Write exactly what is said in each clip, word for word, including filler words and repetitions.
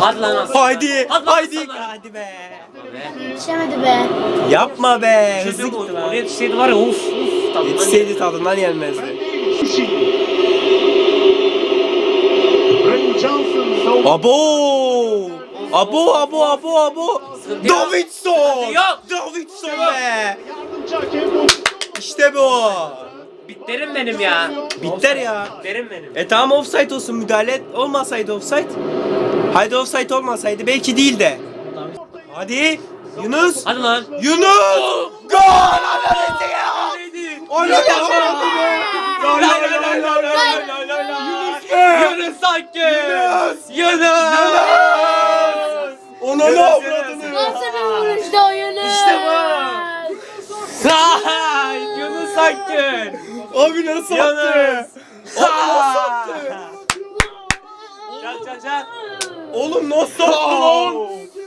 Hadi lan aslan. Haydi. Hadi lan Haydi. aslan. Hadi be. Yetişemedi be. Yapma be. Hızlı Hızlı gitti lan. Oraya yetişseydi var ya uf uf. tadından Yetişseydi yenirdi. tadından yenmezdi. Brennan Johnson savunma. Abo! Abo abo abo abo! Sıkıntı yok. Davidson! Sıkıntı yok. Davidson Yok. be! Yardımcı hakem pozisyon. İşte bu! Bitlerim benim ya. Bitter ya. Bitlerim benim. E tamam offside olsun, müdahale et. Olmasaydı offside. Haydi offside olmasaydı belki değil de. Hadi Yunus! Hadi lan. Yunus! Gol! Ananı ya! Neydi? Onu da vurdu be! La la la la la la la la la! Yunus! Yunus Akgün. Yunus! Yunus. Onu ne avradını? Nasıl bir vuruştu o Yunus? İşte bu. Hay, Yunus Akgün. Abi nasıl attı? Yunus. Abi nasıl attı? Çal çal çal. Oğlum nasıl attı lan?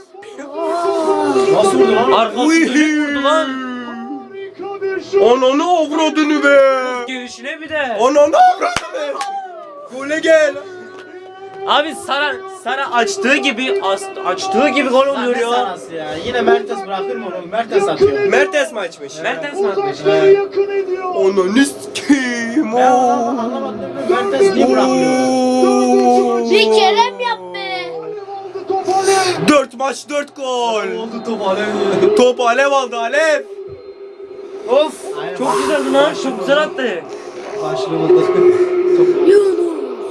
Nasıl vurdu lan? Arkası dönük vurdu lan. Harika bir şut. Ananı avradını be. Gelişine bir de. Ananı avradını. Gole gel. Abi Sara Sara açtığı gibi as, açtığı gibi gol oluyor Ne ya. sanası ya? Yine Mertens bırakır mı onu? Mertens atıyor. Mertens mi açmış? Mertens mi atmış? Uzakları yakın ediyor. Ananı sikeyim. Ben anlamadım, anlamadım. Mertens niye bırakmıyor? Bir kere mi yaptı? Oldu top Alev. Dört maç dört gol. Oldu top alev. Top alev aldı alev. Of Aynen. çok güzeldi lan. Çok güzel attı. Başlamadı. Yunus.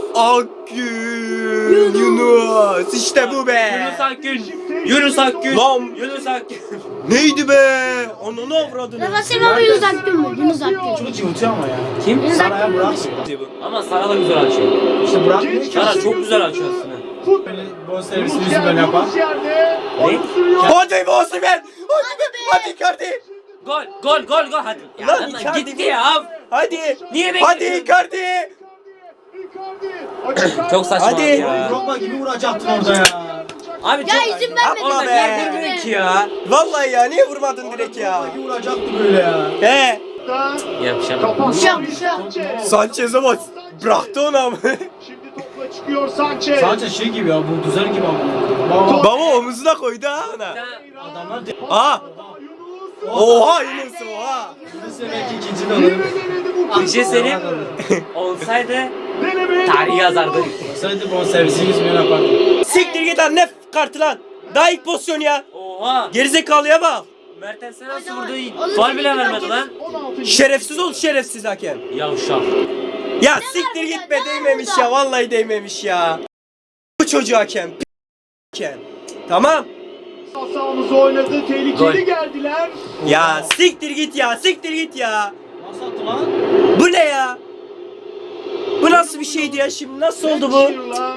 Akgün. Yunus. İşte bu be. Yunus Akgün. Yunus Akgün. Lan. Yunus Akgün. Neydi be? Ananı avradını. Nefesim abi Yunus Akgün mü? Yunus Akgün. Çok cıvıtıyor ama ya. Kim? Yunus Saraya Akgün mü? bırakmıyor. Ama Sara da güzel açıyor. İşte bırakmıyor ki. Sara çok güzel açıyor aslında. Böyle bon servisini yüzü böyle yapar. Yunus yerde. Ne? Oyun sürüyor. Hadi be Osimhen. Hadi be. Hadi Icardi. Gol gol gol gol hadi. Ya Lan lan Icardi gitti mi? ya. Hadi. Niye Hadi bekliyorsun? Icardi. Icardi. Açık Çok saçma Hadi. ya. Drogba gibi vuracaktın orada ya. Abi Ya çok izin vermedin. Yapma Orada be. niye vurdun ki ya? Vallahi ya niye vurmadın direkt ya? Drogba gibi vuracaktı böyle ya. He. Yapacağım. Şam, şam. Sanchez'e bak. Bıraktı onu ama. Şimdi topla çıkıyor Sanchez. Sadece şey gibi ya, bu düzel gibi ama. Baba. Baba omuzuna koydu ha ona. Adamlar de... Aa. Yunus. Oha Yunus oha. Yunus belki ikinci de olur. Denedi bu. Bir şey söyleyeyim. Olsaydı Deneme. tarihi yazardı. Olsaydı bon servisi yüz milyon yapardı. Siktir git lan ne kartı lan. Daha ilk pozisyon ya. Oha. Gerizekalıya bak. Mertens'e nasıl vurdu? Onu Faul senin bile gibi vermedi lan. hakem- on altıncı Şerefsiz ol şerefsiz hakem. Yavşak. Ya siktir git be değmemiş ya. Vallahi değmemiş ya. Bu çocuğu hakem. p- hakem. Tamam. Sahamızı oynadı. Tehlikeli Gol. geldiler. Ya siktir git ya. Siktir git ya. Nasıl attı lan? Bu ne ya? Bu nasıl bir şeydi ya şimdi? Nasıl oldu bu? Shearer'la.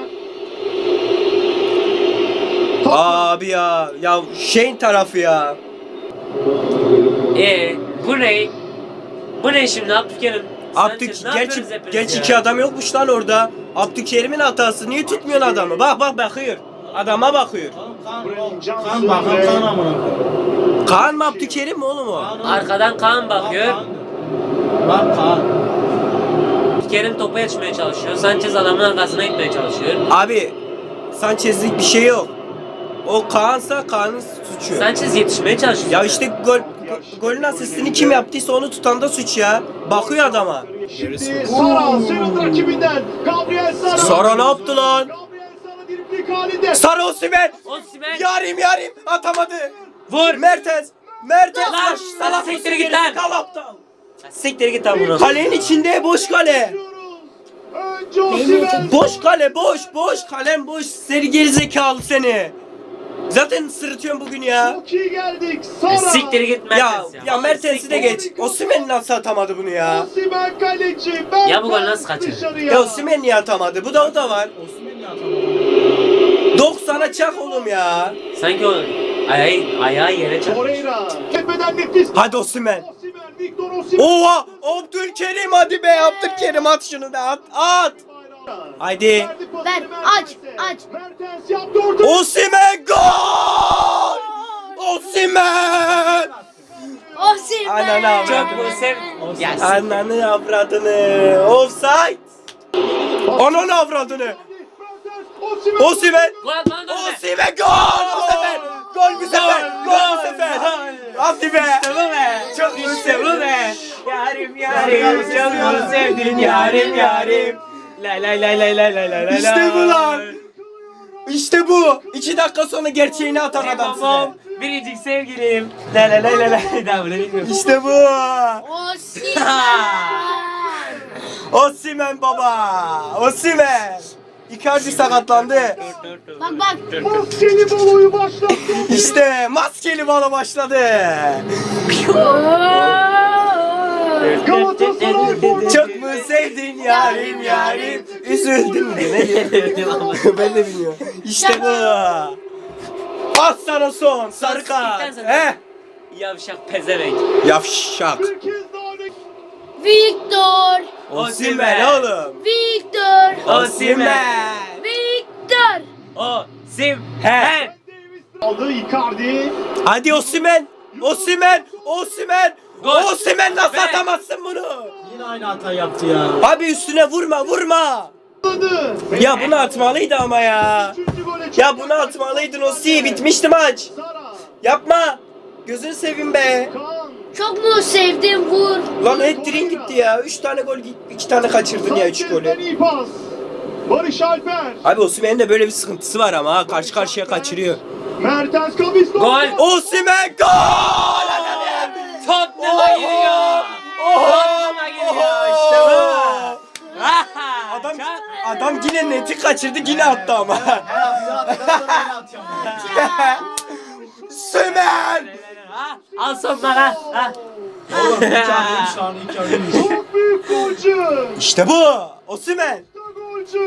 Top- Abi ya. Ya şeyin tarafı ya. Ee, bu ne? Bu ne şimdi Abdülkerim? Abdük Sanchez, ne gerçi yapıyoruz hepimiz gerçi ya? iki adam yokmuş lan orada. Abdülkerim'in hatası. Niye tutmuyorsun adamı? Bak bak bakıyor. Adama bakıyor. Oğlum kan, Brennan Johnson kan bakan ve- kan amına koyayım. Kaan mı Abdülkerim mi oğlum o? Kaan oğlum. Arkadan Kaan bakıyor. Bak Kaan. Bak Kaan. Abdülkerim topa yetişmeye çalışıyor. Sanchez adamın arkasına gitmeye çalışıyor. Abi Sanchez'lik bir şey yok. O Kaan'sa Kaan'ın suçu. Sanchez yetişmeye çalışıyor. Ya işte gol golün asistini kim yaptıysa onu tutan da suç ya. Bakıyor adama. Şimdi Sara sıyrıldı rakibinden. Gabriel Sara. Sara ne yaptı lan? Gabriel Sara driplik halinde. Sarı Osimhen. Osimhen Yarim yarim atamadı. vur. Mertens. Mertens. Lan, Salak lan siktir mısın git lan. Kal aptal. Siktir git lan bunu. Kalenin içinde boş kale. Önce Osimhen. Boş kale boş boş kalem boş. Seni gerizekalı seni. Zaten sırıtıyorum bugün ya. Çok iyi geldik. E, Sara. Siktir git Ya Mertens ya. ya Mertens'i de geç. Osimhen nasıl atamadı bunu ya? Osimhen kaleci. Ya bu gol nasıl kaçırdı? Dışarıya. Ya Osimhen niye atamadı? Bu da o da var. Osman ya atamadı. doksana çak oğlum ya. Sanki o ayağı, ayağı yere çarpmış. Torreira. Tepeden nefis. Hadi Osimhen. Osimhen. Victor Osimhen. Oha! Abdülkerim hadi be Abdülkerim at şunu da at at. Haydi. Verdi pası Ver, aç, Mertens'e. aç. Mertens yaptı orta. Osimhen gol! Osimhen! Osimhen. Ananı Çok avradını. bu sev. Ya siktir. Ananı avradını. Offside. Ananı avradını. Mertens. Osimhen. Gol atmanın da önüne. Osimhen gol bu sefer. Gol bu sefer. Gol bu sefer. Hadi be. İşte bu be. Çok İşte bu be. Yarim yarim, çok mu sevdin yarim, yarim. La la la la la la la la. İşte bu lan. İşte bu. İki dakika sonra gerçeğini atan adam Babam, size. biricik sevgilim. La la la la la. Daha bunu bilmiyorum. İşte bu. Osimhen. Osimhen baba. Osimhen. Icardi sakatlandı. Bak bak. Maskeli baloyu başlattı. İşte maskeli balo başladı. Galatasaray forması. Çok mu sevdin yarim yarim? Üzüldün mü? Ne diyor? Ben de bilmiyorum. İşte bu. Az sana son sarı kart. He? Yavşak pezevenk. Yavşak. Bir kez daha ne- Victor. Osimhen oğlum. Victor. Osimhen. Victor. Osimhen. Aldı Icardi. Hadi Osimhen. Osimhen. Osimhen. Gol. Osimhen nasıl Be. atamazsın bunu? Yine aynı hata yaptı ya. Abi üstüne vurma vurma. Aldı. Ya bunu atmalıydı ama ya. Üçüncü gole Ya çekti. bunu atmalıydın Osi. Bitmişti maç. Sara. Yapma. Gözünü seveyim be. Kaan. Çok mu sevdim vur. Lan hat-trick'in gitti ya. üç tane gol gitti. iki tane kaçırdın ya üç Sanchez'den golü. iyi pas. Barış Alper. Abi Osimhen'in de böyle bir sıkıntısı var ama ha. Karşı karşıya kaçırıyor. Mertens Kavisto. Gol. Osimhen gol! Tottenham'a giriyor. Tottenham'a giriyor. İşte bu. Adam adam yine neti kaçırdı yine attı ama. Her hafta attıktan sonra yine atıyorum. Osimhen! Ha, al sonlara. Ha. Oğlum iki arıymış lan iki arıymış. Çok büyük golcü. İşte bu. Osimhen. Golcü.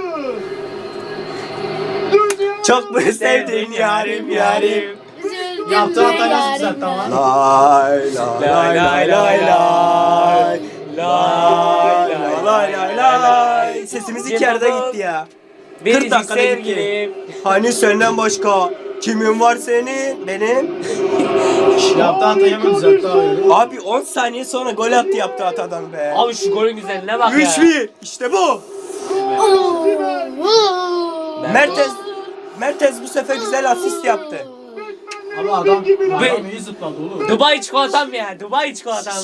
Dünya. Çok mu sevdin yarim yarim? Üzüldüm Yaptığı be hata nasıl yarim. düzeltti ama? Lay lay lay lay lay lay. Lay lay lay lay lay. Sesimiz iki yerde gitti ya. kırk Biricik dakikada gitti. sevgilim. Hani senden başka kimin var senin? Benim. Yaptığı hatayı mı düzeltti abi? Abi on saniye sonra gol attı yaptı atadan be. Abi şu golün güzelliğine bak ya. üç bir. İşte bu. Oo. Mertens Mertens bu sefer güzel asist yaptı. Ama adam, adam Ben- iyi zıpladı oğlum. Dubai çikolatam ya. Dubai çikolatam.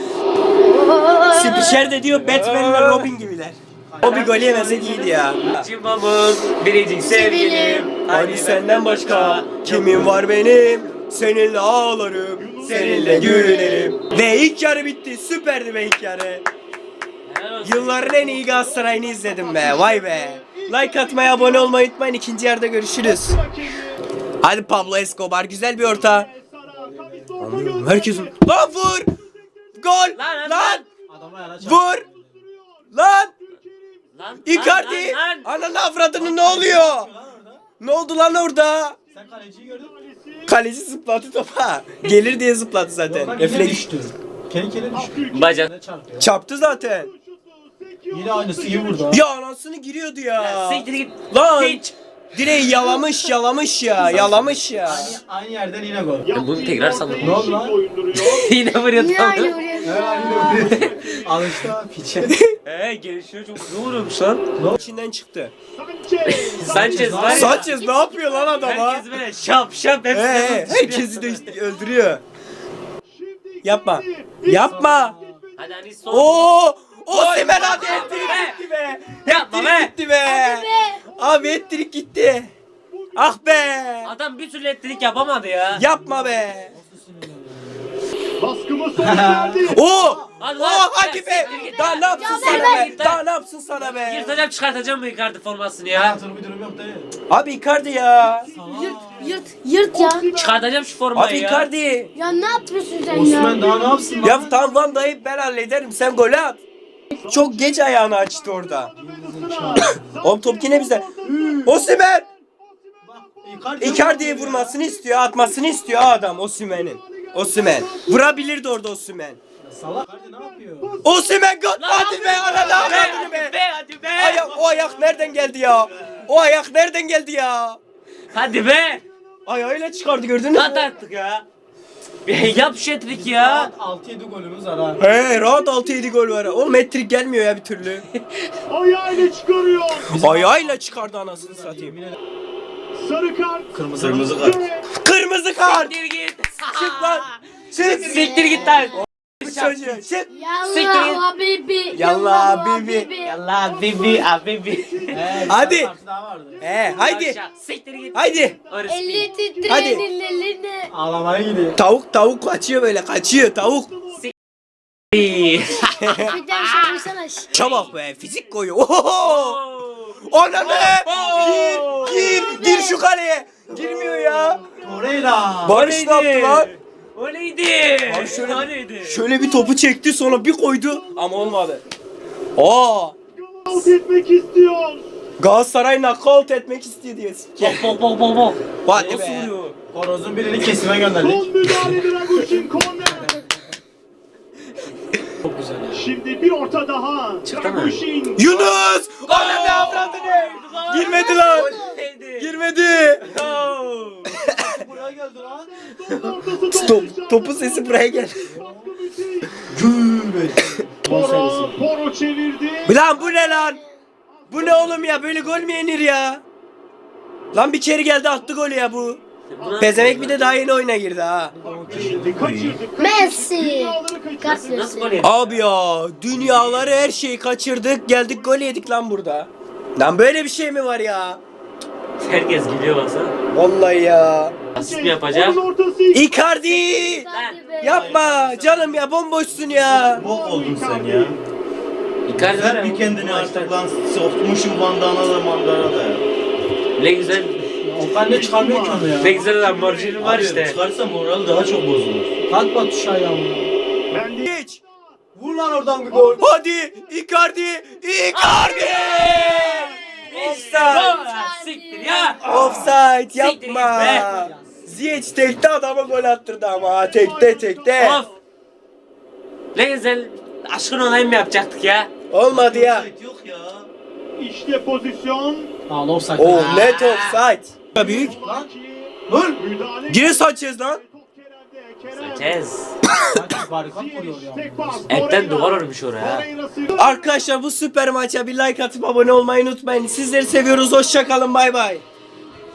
Spiker de diyor Batman'le Robin gibiler. O bir gol yemese iyiydi ya. Cimbamın biricik sevgilim. Hani senden başka kimin var benim? Seninle ağlarım, seninle gülerim. Ve ilk yarı bitti. Süperdi be ilk yarı. Helal olsun. Yılların en iyi Galatasaray'ını izledim be. Vay be. Like atmayı, abone olmayı unutmayın. İkinci yarıda görüşürüz. Hadi Pablo Escobar güzel bir orta. Herkesin. Lan vur. Gol. Lan, lan, Lan. lan. Adama yana çarptı. Vur. Lan. Lan, Icardi. lan, lan, lan. Ananı avradını ne oluyor? Lan orada. Ne oldu lan orada? Sen kaleciyi gördün mü? Kaleci zıplattı topa. Gelir diye zıplattı zaten. Yok lan, yine Refleks. düştü. Kendi kendine düştü. Bacan. Ne çarptı ya? Çarptı zaten. Yine aynısı iyi vurdu ha. Ya anasını giriyordu ya. Siktir git. Lan. Hiç. Direği yalamış yalamış ya. Yalamış ya. Aynı, aynı yerden yine gol. Ben bunu tekrar sandım. Ne oldu lan? Yine vuruyor Yine tam. aynı Evet vuruyor. aynı vuruyor. Alıştı ha piçe. Eee gelişiyor çok hızlı vuruyormuş lan. İçinden çıktı. Sanchez var ya. Sanchez ne yapıyor lan adama? Herkes böyle şap şap hepsini Ee, vuruyor. herkesi de öldürüyor. Yapma. Yapma. Hadi hani son. Oo! Osimhen hadi Yapma ettirik be. gitti be. Yapma Ettirik be. gitti be. Abi ettirik gitti. Ah be. Adam bir türlü ettirik yapamadı ya. Yapma be. Baskımız sonuç verdi. Oo! Hadi Oo lan. hadi be. Daha ne yapsın Ya sana ver, be? ver. Daha ne yapsın sana be? Yırtacağım çıkartacağım bu Icardi formasını ya. Hayatının bir durum yok dayı. Abi Icardi ya. Yırt yırt yırt ya. Çıkartacağım şu formayı Abi ya. Icardi. Ya ne yapıyorsun sen ya? Osman daha ne yapsın lan? Ya tamam Van Dijk ben hallederim. Sen golü at. Çok geç ayağını açtı orada. Oğlum top yine bize. Osimhen. Icardi Icardi'ye vurmasını istiyor, atmasını istiyor adam Osimhen'in. Osimhen. Vurabilirdi orada Osimhen. Salak. Icardi ne yapıyor? Osimhen gol. Lan Hadi be ananı hadi avradını be. be. Hadi be. Ayak, o ayak nereden geldi ya? O ayak nereden geldi ya? Hadi be. Ayağıyla çıkardı gördünüz At mü? artık ya. Yap şu hat-trick ya. altı yedi golümüz var ha. He rahat altı yedi gol var. Oğlum hat-trick gelmiyor ya bir türlü. Ayağıyla çıkarıyor. Ayağıyla çıkardı anasını satayım. Sarı kart. Kırmızı Kırmızı kart. Kırmızı kart. Siktir git. Çık lan. Çık. Siktir git lan. Bu çocuğu. Çık. Yallah habibi. Yallah habibi. Yallah bibi abibi. He, Hadi. bir parça daha vardı. He haydi. Siktir git. Haydi. Orası Elli değil. Hadi. titrenin eline. Ağlamaya gidiyor. Tavuk tavuk kaçıyor böyle kaçıyor tavuk. Bir daha şey koysana. Çabuk be fizik koyuyor. Oho. Ona be. Gir gir gir şu kaleye. Girmiyor ya. Torreira. Barış ne yaptı lan? O neydi? Abi şöyle- O neydi? Şöyle bir topu çekti sonra bir koydu ama olmadı. Aa. Out etmek istiyor. Galatasaray knockout etmek istiyor diye. Bak bak bak bak bak. Hadi Nasıl be. vuruyor? Horozun birini kesime gönderdik. Son müdahale Dragusin korner. Çok güzel ya. Şimdi bir orta daha. Çıktı mı? Dragusin. Yunus! Ona ne avradını? Girmedi lan. Girmedi. Buraya geldi lan. Son ortası Stop. Topun sesi buraya gel. Baskı müthiş. Gül. Poro, Poro çevirdi. Lan bu ne lan? Bu ne oğlum ya? Böyle gol mü yenir ya? Lan bir kere geldi attı golü ya bu. Pezevenk bir de daha yeni oyuna girdi ha. Şimdi kaçırdık. Messi. Dünyaları kaçırdık. Kart Nasıl gol versin. yedi? Abi ya dünyaları her şeyi kaçırdık geldik gol yedik lan burada. Lan böyle bir şey mi var ya? Herkes gülüyor baksana. Vallahi ya. Asist mi yapacak? Onun ortası. Icardi! Hadi be. Yapma canım ya bomboşsun ya. Bok oldun sen ya. Icardi var ya, Sen bir bu- kendini bu artık maçta- lan sokmuşum bandana da mandana da ya. Ne güzel. Okan ne çıkarmıyor ki onu ya. Ne güzel Lamborghini var Abi işte. çıkarsa moral daha çok bozulur. Kalkma tuşa ayağımla. Ben de Geç. Vur lan oradan bir gol. Hadi Icardi! Icardi! Offside! Siktir ya. Offside Siktir yapma. git Ziyech tekte adama gol attırdı ama ha, tekte tekte. Of. Ne güzel aşkın olayım mı yapacaktık ya? Olmadı ya. Yok ya. işte pozisyon. Aa offside. O net offside. Büyük. Lan. Dur. Müdahale. Gire Sanchez lan. Top Kerem'de. Kerem. Sanchez. Sanki barikat vuruyor Ziyech, ya. tek pas. Etten Torreira. duvar örmüş oraya. Torreira'sı. Arkadaşlar bu süper maça bir like atıp abone olmayı unutmayın. Sizleri seviyoruz. Hoşça kalın. Bay bay.